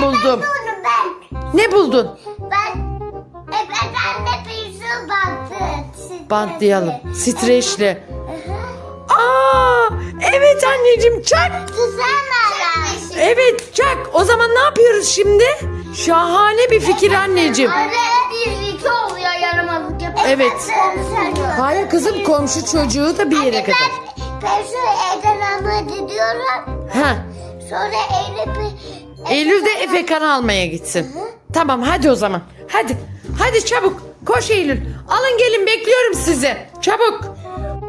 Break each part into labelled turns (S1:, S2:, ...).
S1: buldum.
S2: Ben.
S1: Ne buldun?
S2: Ben anne bir su bantı.
S1: Bantlayalım. Streçli.
S2: Hı hı.
S1: Aa, evet anneciğim, çak.
S2: Güzel
S1: Evet, çak. O zaman ne yapıyoruz şimdi? Şahane bir fikir anneciğim.
S2: Anne bir iki oluyor yaramazlık yapıyor.
S1: Evet. Hayır kızım, komşu çocuğu da bir yere kadar.
S2: Ben şu evden almaya gidiyorum.
S1: Ha.
S2: Sonra
S1: Eylül de Efekan'ı almaya gitsin. Tamam, hadi o zaman. Hadi. Hadi çabuk. Koş Eylül. Alın gelin, bekliyorum sizi. Çabuk.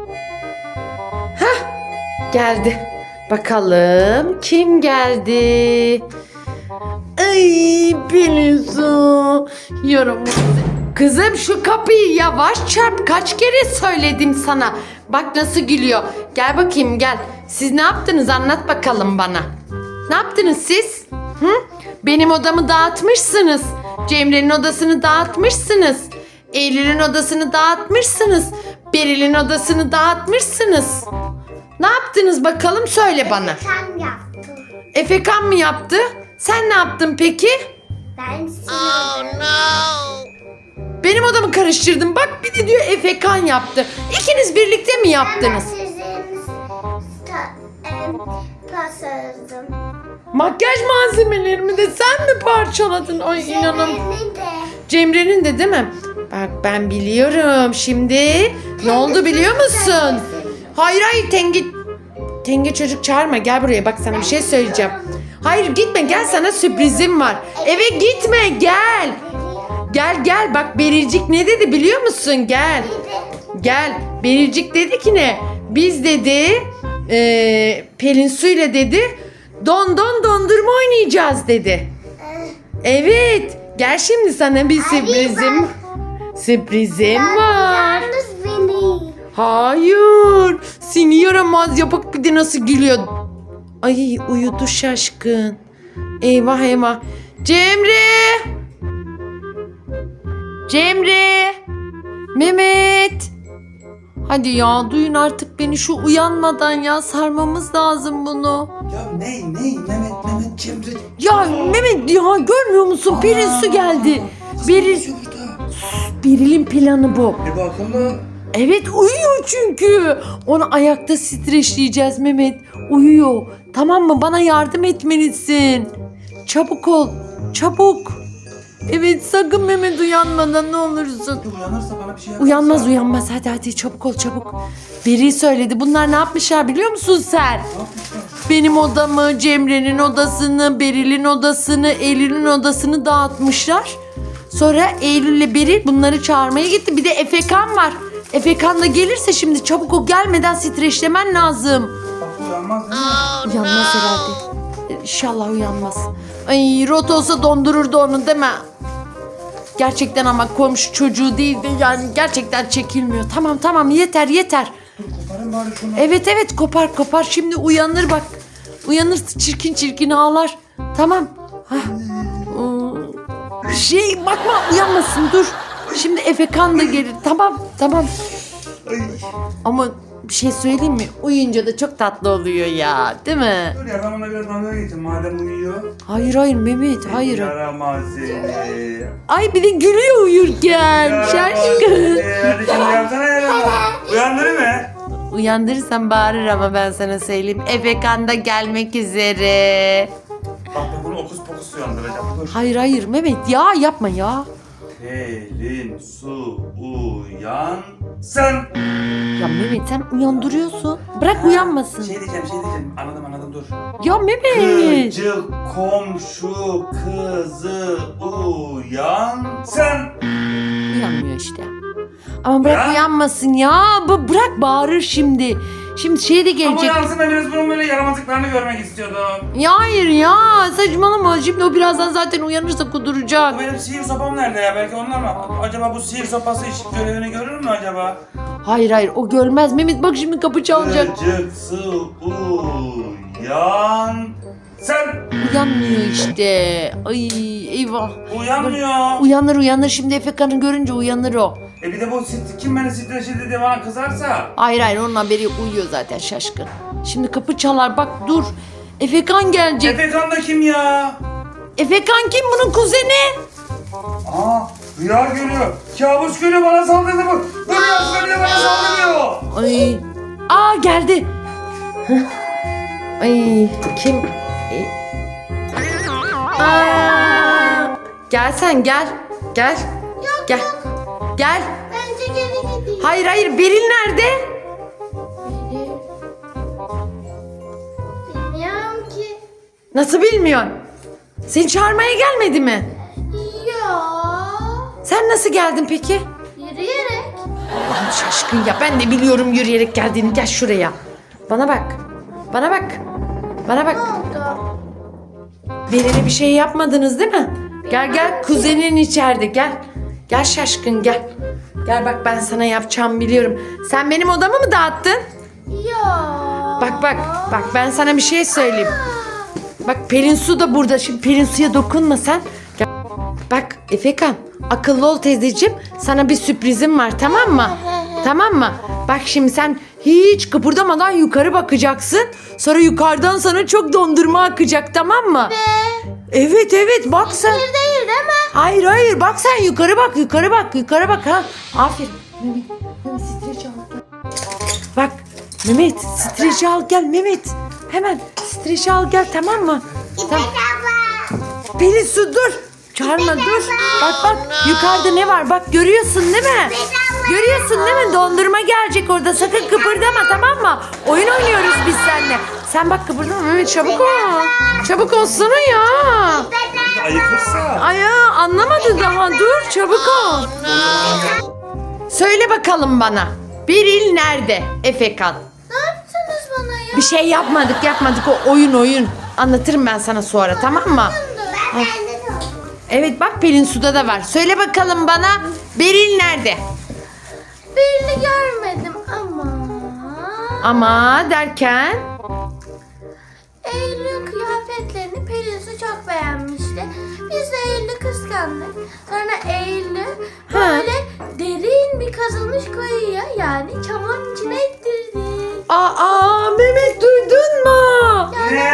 S1: Hah. Geldi. Bakalım kim geldi? Ay Pelinsu. Yaramaz. Kızım şu kapıyı yavaş çarp. Kaç kere söyledim sana. Bak nasıl gülüyor. Gel bakayım, gel. Siz ne yaptınız, anlat bakalım bana. Ne yaptınız siz? Hı? Benim odamı dağıtmışsınız. Cemre'nin odasını dağıtmışsınız. Eylül'ün odasını dağıtmışsınız. Beril'in odasını dağıtmışsınız. Ne yaptınız bakalım, söyle bana.
S2: Sen yaptın.
S1: Efekan mı yaptı? Sen ne yaptın peki?
S2: Ben sildim.
S1: Benim odamı karıştırdın. Bak bir de diyor Efekan yaptı. İkiniz birlikte mi yaptınız?
S2: Ben sizin pasırdım.
S1: Makyaj malzemelerimi de sen mi parçaladın? Ay inanam.
S2: Senin de.
S1: Cemre'nin de değil mi? Bak ben biliyorum. Şimdi ne oldu biliyor musun? Hayır hayır Tenge çocuk çağırma. Gel buraya, bak sana bir şey söyleyeceğim. Hayır gitme, gel, sana sürprizim var. Eve gitme, gel. Gel bak Berilcik ne dedi biliyor musun? Gel. Gel. Berilcik dedi ki ne? Biz dedi Pelin Su'yla dedi dondurma oynayacağız dedi. Evet. Gel şimdi sana bir sürprizim. Sürprizim var.
S2: Yalnız beni.
S1: Hayır. Seni yaramaz yapık, bir de nasıl gülüyor. Ay uyudu şaşkın. Eyvah eyvah. Cemre. Cemre. Mehmet. Hadi ya, duyun artık beni, şu uyanmadan ya, sarmamız lazım bunu.
S3: Ya Mehmet Cemre.
S1: Ya Mehmet ya, görmüyor musun? Pelin Su geldi. Beril'in planı bu.
S3: Bir bakalım.
S1: Evet, uyuyor çünkü. Onu ayakta streçleyeceğiz Mehmet. Uyuyor. Tamam mı? Bana yardım etmelisin. Çabuk ol. Çabuk. Evet, sakın Mehmet uyanmadan, ne olursun.
S3: Uyanırsa bana bir şey yaparsa.
S1: Uyanmaz. Hadi çabuk ol çabuk. Biri söyledi. Bunlar ne yapmışlar biliyor musun sen? Benim odamı, Cemre'nin odasını, Beril'in odasını, Eylül'ün odasını dağıtmışlar. Sonra Eylül'le Beril bunları çağırmaya gitti. Bir de Efekan var. Efekan da gelirse şimdi çabuk ol, gelmeden streçlemen lazım.
S3: Bak uyanmaz değil mi?
S1: Uyanmaz herhalde. İnşallah uyanmaz. Ay rot olsa dondururdu onu değil mi? Gerçekten ama komşu çocuğu değildi. Yani gerçekten çekilmiyor. Tamam yeter.
S3: Dur koparın bari şunu.
S1: Evet kopar. Şimdi uyanır bak. Uyanır, çirkin ağlar. Tamam. Hah. Bakma, uyanmasın, dur. Şimdi Efekan da gelir. Tamam.
S3: Ay.
S1: Ama bir şey söyleyeyim mi? Uyuyunca da çok tatlı oluyor ya. Değil mi?
S3: Dur ya, ben ona biraz dalga geçeyim madem uyuyor.
S1: Hayır Mehmet, hayır.
S3: Yaramaz seni.
S1: Ay bir de gülüyor uyurken.
S3: Yaramaz
S1: Şaşkın.
S3: seni. Hadi şimdi uyansana yaramaz. Uyandırır mı?
S1: Uyandırırsam bağırır ama ben sana söyleyeyim. Efekan da gelmek üzere.
S3: Bak bunu okus pokus uyandıracağım. Dur.
S1: Hayır Mehmet ya, yapma ya.
S3: Pelin Su uyan. Sen.
S1: Ya Mehmet sen uyandırıyorsun. Bırak uyanmasın.
S3: Şey diyeceğim. Anladım dur.
S1: Ya Mehmet.
S3: Gıcık komşu kızı uyan. Sen.
S1: Uyanmıyor işte. Ama bırak
S3: Ya.
S1: uyanmasın ya. Bırak, bağırır şimdi. Şimdi şey de
S3: Ama
S1: gelecek.
S3: uyansın, ben biraz bunun böyle yaramazlıklarını görmek istiyordum.
S1: Ya hayır ya, saçmalama. Şimdi o birazdan zaten uyanırsa kuduracak.
S3: Bu benim sihir sopam nerede ya? Belki onlar mı? Acaba bu sihir sopası hiç görevini görür mü acaba?
S1: Hayır o görmez. Mehmet bak şimdi kapı çalacak.
S3: Gıcıksı uyan. Sen.
S1: Uyanmıyor işte. Ay eyvah.
S3: Uyanmıyor.
S1: Uyanır şimdi, Efekan'ı görünce uyanır o.
S3: Bir de bu kim beni streçledi diye bana kızarsa.
S1: Hayır onun haberi yok, uyuyor zaten şaşkın. Şimdi kapı çalar, bak dur. Efekan gelecek.
S3: Efekan da kim ya?
S1: Efekan kim, bunun kuzeni?
S3: Aa, rüya görüyor. Kabus görüyor, bana saldırdı bu. Rüya görüyor, bana saldırıyor.
S1: Ay. Aa, geldi. Heh. Ay, kim? Aa. Gel sen, gel. Gel. Gel. Gel.
S2: Bence geri gideyim.
S1: Hayır hayır, Beril nerede?
S2: Bilmiyorum ki.
S1: Nasıl bilmiyorsun? Seni çağırmaya gelmedi mi?
S2: Ya.
S1: Sen nasıl geldin peki?
S2: Yürüyerek.
S1: Allah'ım şaşkın ya. Ben de biliyorum yürüyerek geldiğini. Gel şuraya. Bana bak. Bana bak. Bana bak.
S2: Ne oldu?
S1: Beril'e bir şey yapmadınız değil mi? Gel gel, kuzenin içeride, gel. Gel şaşkın, gel. Gel bak, ben sana yapacağımı biliyorum. Sen benim odamı mı dağıttın?
S2: Ya.
S1: Bak bak bak, ben sana bir şey söyleyeyim. Bak, Pelin Su da burada. Şimdi Pelin Su'ya dokunma sen. Gel. Bak Efekan, akıllı ol teyzeciğim. Sana bir sürprizim var, tamam mı? Tamam mı? Bak şimdi sen hiç kıpırdamadan yukarı bakacaksın. Sonra yukarıdan sana çok dondurma akacak, tamam mı? Evet evet, bak sen.
S2: Bir değil mi?
S1: Hayır hayır, bak sen yukarı bak, yukarı bak, yukarı bak ha. Aferin. Mehmet streci al gel. Bak Mehmet, streci al gel Mehmet. Hemen streci al gel, tamam mı? Tamam.
S2: Abla.
S1: Pelin Su dur. Çağırma dur. Bak bak, yukarıda ne var? Bak, görüyorsun değil mi? Görüyorsun değil mi? Dondurma gelecek orada. Sakın kıpırdama, tamam mı? Oyun oynuyoruz biz seninle. Sen bak, kıpırdama Mehmet, çabuk ol. Çabuk olsana ya.
S3: Ayıkırsa.
S1: Ay ya, anlamadı daha. Dur, çabuk ol. Söyle bakalım bana. Beril nerede Efekan?
S2: Ne yaptınız bana ya?
S1: Bir şey yapmadık. O oyun. Anlatırım ben sana sonra, tamam mı?
S2: Ben de
S1: Evet bak, Pelin Su'da da var. Söyle bakalım bana, Beril nerede?
S2: birini görmedim ama.
S1: Ama derken?
S2: Eylül'ün kıyafetlerini Pelin Su çok beğenmişti. Biz de Eylül'ü kıskandık. Sonra Eylül'ü böyle derin bir kazılmış kuyuya, yani çamurun içine ittirdik.
S1: Aa, Mehmet, duydun mu?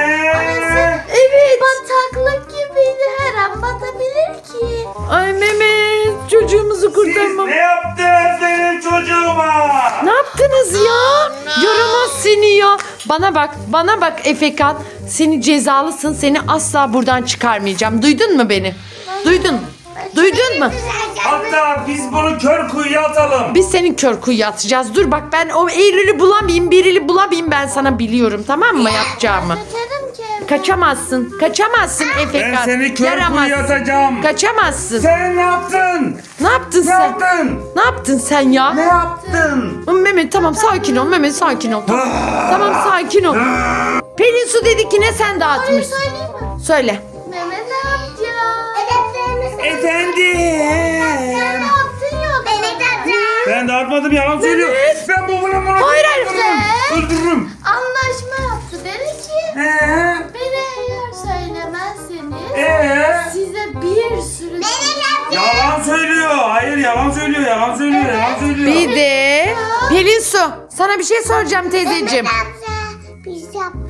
S1: Evet.
S2: Bataklık gibiydi, her an batabilir ki.
S1: Ay Mehmet, çocuğumuzu
S3: Siz
S1: kurtarmam.
S3: ne yaptınız benim çocuğuma?
S1: Ne yaptınız ya? Yaramaz seni ya. Bana bak Efekan. Seni cezalısın. Seni asla buradan çıkarmayacağım. Duydun mu beni? Duydun mu?
S3: Hatta biz bunu kör kuyuya atalım.
S1: Biz senin kör kuyuya atacağız. Dur bak, ben o Eylül'ü bulamayayım, Beril'i bulamayayım, ben sana biliyorum, tamam mı yapacağımı?
S2: Kaçarım ki.
S1: Kaçamazsın Efekan.
S3: Ben seni kör
S1: Yaramaz.
S3: kuyuya atacağım.
S1: Kaçamazsın.
S3: Sen ne yaptın?
S1: Ne yaptın
S3: Ne
S1: sen?
S3: yaptın?
S1: Ne yaptın sen ya?
S3: Ne yaptın?
S1: Mehmet tamam, sakin ol Mehmet, sakin ol. Tamam sakin ol. Pelin Su dedi ki ne sen dağıtmışsın?
S2: Söyleyeyim mi?
S1: Söyle.
S2: Mehmet amca. Hedeflerimiz.
S3: Efendim.
S2: Sen ne yaptın yok? Mehmet amca.
S3: Ben dağıtmadım, yalan söylüyor. Ben bunu
S1: Hayır, hayır.
S3: öldürürüm.
S2: Anlaşma yaptı. Dedi ki beni eğer söylemezseniz size bir sürü...
S3: Yalan söylüyor. Hayır, yalan söylüyor. Yalan söylüyor.
S1: Bir de Pelin Su, sana bir şey soracağım teyzeciğim.
S2: Biz yaptık.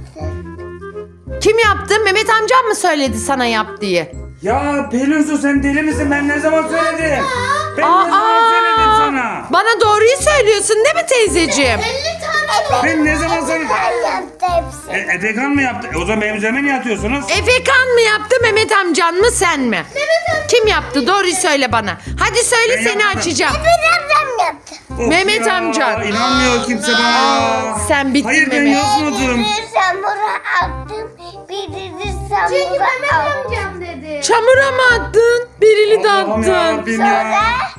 S1: Kim yaptı? Mehmet amcam mı söyledi sana yap diye?
S3: Ya Pelin Su, sen deli misin? Ben ne zaman söyledim? Ben ne zaman söyledim sana?
S1: Bana doğruyu söylüyorsun değil mi teyzeciğim?
S2: 50 tane
S3: Ben ne zaman söyledim?
S2: Ben yaptı hepsi.
S3: Efekan mı yaptı? O zaman benim üzerime niye atıyorsunuz?
S1: Efekan mı yaptı, Mehmet amcan mı, sen mi? Kim yaptı? Doğruyu söyle bana. Hadi söyle,
S3: Ben
S1: seni
S3: yapmadım.
S1: açacağım.
S2: Ben yaptım.
S3: Of
S1: Mehmet
S3: ya,
S1: amca.
S3: İnanmıyor kimse bana.
S1: Sen bittin
S3: Hayır, ben
S1: Mehmet.
S3: yazmadım.
S2: Birini samura attım. Birini samura attım. Çünkü Mehmet amcam dedi.
S1: Çamura mı attın? Berili de
S3: Allah'ım
S1: attın.
S3: yarabbim ya.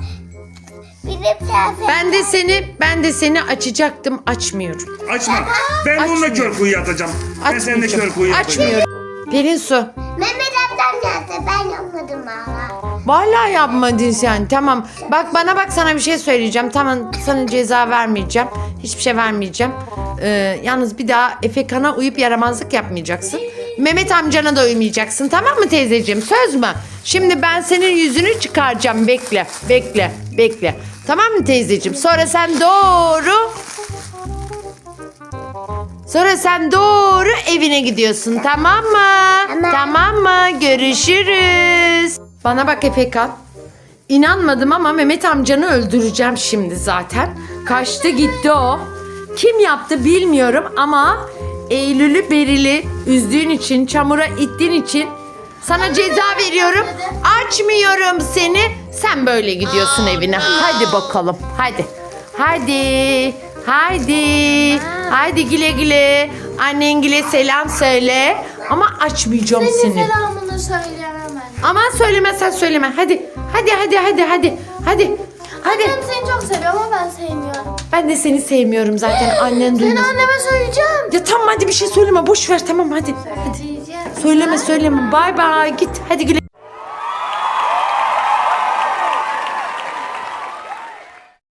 S1: Ben de seni açacaktım, açmıyorum.
S3: Açma. Ben bununla kör kuyuya atacağım. Ben seninle kör kuyuya atacağım.
S1: Açmıyorum. Pelin Su.
S2: Mehmet amcam yaptı. Ben yapmadım hala.
S1: Vallahi yapmadın sen. Tamam. Bak bana bak, sana bir şey söyleyeceğim. Tamam, sana ceza vermeyeceğim. Hiçbir şey vermeyeceğim. Yalnız bir daha Efekan'a uyup yaramazlık yapmayacaksın. Mehmet amcana da uymayacaksın. Tamam mı teyzeciğim? Söz mü? Şimdi ben senin yüzünü çıkaracağım. Bekle. Tamam mı teyzeciğim? Sonra sen doğru Sonra sen doğru evine gidiyorsun, tamam mı?
S2: Tamam.
S1: Tamam mı? Görüşürüz. Bana bak Efekan. İnanmadım ama Mehmet amcanı öldüreceğim şimdi zaten. Kaçtı gitti o. Kim yaptı bilmiyorum ama Eylül'ü Beril'i üzdüğün için, çamura ittiğin için sana ceza veriyorum. Açmıyorum seni. Sen böyle gidiyorsun evine. Hadi bakalım. Hadi. Hadi. Hadi. Hadi güle güle. Annengile selam söyle. Ama açmayacağım
S2: Senin
S1: seni.
S2: selamını söyleyemem ben.
S1: Aman söylemezsen söyleme. Hadi. Hadi hadi hadi hadi. Hadi. Hadi.
S2: Annem seni çok seviyor ama ben sevmiyorum.
S1: Ben de seni sevmiyorum zaten. Annen
S2: Seni
S1: duymaz.
S2: anneme söyleyeceğim.
S1: Ya tamam hadi bir şey söyleme. Boş ver tamam hadi.
S2: Söyleyeceğim.
S1: Söyleme söyleme. Bay bay. Git. Hadi güle.